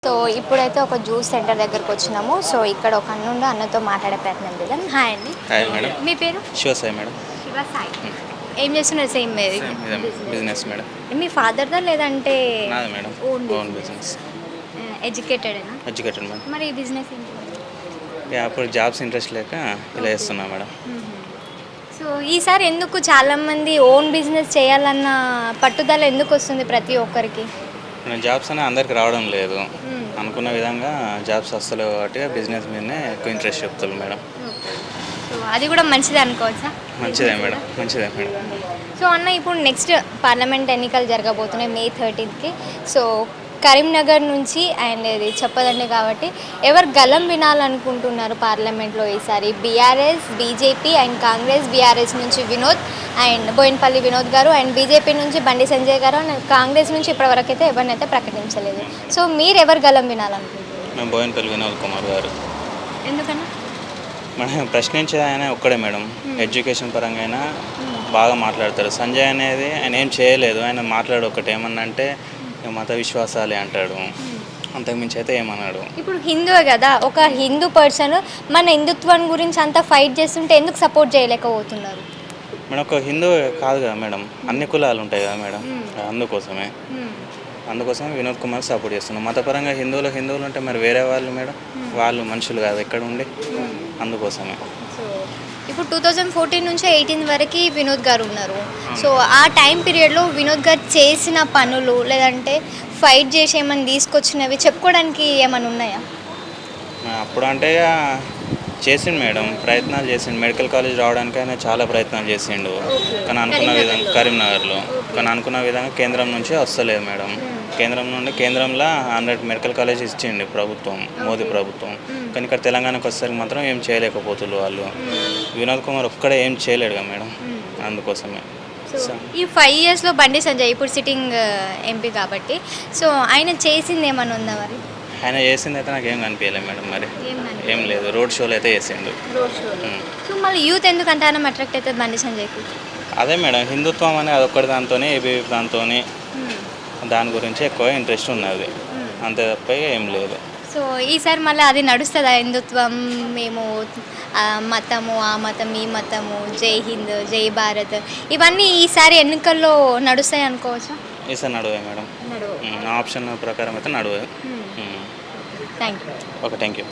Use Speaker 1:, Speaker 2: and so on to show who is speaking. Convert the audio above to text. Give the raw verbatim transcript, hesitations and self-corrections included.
Speaker 1: So ఇప్పుడైతే ఒక juice centre దగ్గరకు వచ్చినాము. సో ఇక్కడ ఒక అన్న ఉండి అన్నతో మాట్లాడే ప్రయత్నం చేద్దాం. హాయ్ అండి.
Speaker 2: Hi madam.
Speaker 1: మీ పేరు?
Speaker 2: శివ సాయి మేడం.
Speaker 1: శివ సాయి. ఏం చేస్తున్నారు? Same
Speaker 2: business madam.
Speaker 1: మీ ఫాదర్దా లేదంటే
Speaker 2: నాది మేడం.
Speaker 1: Own
Speaker 2: own business.
Speaker 1: ఎడ్యుకేటెడేనా?
Speaker 2: Educated madam.
Speaker 1: మరి ఈ బిజినెస్ ఏంటి?
Speaker 2: యా, అప్పుడు జాబ్స్ ఇంట్రెస్ట్ లేక ఇలా చేస్తున్నా మేడం.
Speaker 1: సో ఈసారి ఎందుకు చాలామంది ఓన్ బిజినెస్ చేయాలన్న పట్టుదల ఎందుకు వస్తుంది ప్రతి ఒక్కరికి?
Speaker 2: జాబ్స్ అనేది అందరికి రావడం లేదు. అనుకున్న విధంగా జాబ్స్ వస్తలేవు కాబట్టి బిజినెస్ మీదనే ఎక్కువ ఇంట్రెస్ట్ చెప్తారు మేడం.
Speaker 1: సో అది కూడా మంచిదే అనుకోవచ్చా?
Speaker 2: మంచిదే మేడం, మంచిదే మేడం.
Speaker 1: సో అన్న, ఇప్పుడు నెక్స్ట్ పార్లమెంట్ ఎన్నికలు జరగబోతున్నాయి మే థర్టీన్త్కి. సో కరీంనగర్ నుంచి అండ్ ఇది చెప్పదండి కాబట్టి ఎవరు గలం వినాలనుకుంటున్నారు పార్లమెంట్లో ఈసారి? BRS, BJP and Congress. BRS నుంచి వినోద్ అండ్ బోయినపల్లి వినోద్ గారు అండ్ బీజేపీ నుంచి బండి సంజయ్ గారు అండ్ కాంగ్రెస్ నుంచి ఇప్పటివరకు అయితే ఎవరినైతే ప్రకటించలేదు. సో మీరు ఎవరు గలం వినాలనుకుంటున్నారు?
Speaker 2: మేము బోయినపల్లి వినోద్ కుమార్ గారు.
Speaker 1: ఎందుకన్నా?
Speaker 2: మనం ప్రశ్నించే ఆయన ఒక్కడే మేడం. ఎడ్యుకేషన్ పరంగా అయినా బాగా మాట్లాడతారు. సంజయ్ అనేది ఆయన ఏం చేయలేదు. ఆయన మాట్లాడు ఒకటి ఏమన్నా అంటే మత విశ్వాసాలే అంటాడు, అంతకుమించి అయితే ఏమన్నాడు.
Speaker 1: ఇప్పుడు హిందువే కదా, ఒక హిందూ పర్సన్ మన హిందుత్వం గురించి అంతా ఫైట్ చేస్తుంటే ఎందుకు సపోర్ట్ చేయలేకపోతున్నారు
Speaker 2: మేడం? ఒక హిందూ కాదు కదా మేడం, అన్ని కులాలు ఉంటాయి కదా మేడం. అందుకోసమే అందుకోసమే వినోద్ కుమార్ సపోర్ట్ చేస్తున్నాం. మతపరంగా హిందువులు హిందువులు ఉంటే మరి వేరే వాళ్ళు మేడం, వాళ్ళు మనుషులు కాదు ఎక్కడ ఉండి, అందుకోసమే.
Speaker 1: ఇప్పుడు టూ థౌజండ్ ఫోర్టీన్ నుంచి ఎయిటీన్ వరకు వినోద్ గారు ఉన్నారు. సో ఆ టైం పీరియడ్లో వినోద్ గారు చేసిన పనులు లేదంటే ఫైట్ చేసి ఏమైనా తీసుకొచ్చినవి చెప్పుకోవడానికి ఏమైనా ఉన్నాయా?
Speaker 2: అప్పుడు అంటే చేసిండు మేడం, ప్రయత్నాలు చేసిండు. మెడికల్ కాలేజ్ రావడానికి ఆయన చాలా ప్రయత్నాలు చేసిండు. కానీ అనుకున్న విధంగా కరీంనగర్లో కానీ అనుకున్న విధంగా కేంద్రం నుంచి వస్తలేదు మేడం. కేంద్రం నుండి కేంద్రంలో హండ్రెడ్ మెడికల్ కాలేజ్ ఇచ్చిండు ప్రభుత్వం, మోదీ ప్రభుత్వం. కానీ ఇక్కడ తెలంగాణకు వచ్చేసరికి మాత్రం ఏం చేయలేకపోతున్నారు వాళ్ళు. వినోద్ కుమార్ ఒక్కడే ఏం చేయలేడుగా మేడం, అందుకోసమే.
Speaker 1: ఈ ఫైవ్ ఇయర్స్లో బండి సంజయ్ ఇప్పుడు సిట్టింగ్ ఎంపీ కాబట్టి, సో ఆయన చేసింది ఏమైనా ఉందా మరి?
Speaker 2: ఆయన చేసింది అయితే నాకు ఏం కనిపించలేదు మేడం. మరి ఏం లేదు, రోడ్ షోలు అయితే చేసిండు.
Speaker 1: సో మళ్ళీ యూత్ ఎందుకు అంత అట్రాక్ట్ అవుతుంది బండి సంజయ్కి?
Speaker 2: అదే మేడం, హిందుత్వం అనేది అదొక్కటి దాంతోనే, ఏబీవీ దాంతో దాని గురించి ఎక్కువ ఇంట్రెస్ట్ ఉన్నది, అంతే తప్ప ఏం లేదు.
Speaker 1: సో ఈసారి మళ్ళీ అది నడుస్తుందా? హిందుత్వం, మేము మతము, ఆ మతం, ఈ మతము, జై హింద్, జై భారత్, ఇవన్నీ ఈసారి ఎన్నికల్లో నడుస్తాయి అనుకోవచ్చా?
Speaker 2: ఈసారి నడువే మేడం, నా ఆప్షన్ ప్రకారం అయితే నడువే.
Speaker 1: Thank you.
Speaker 2: Okay, thank you.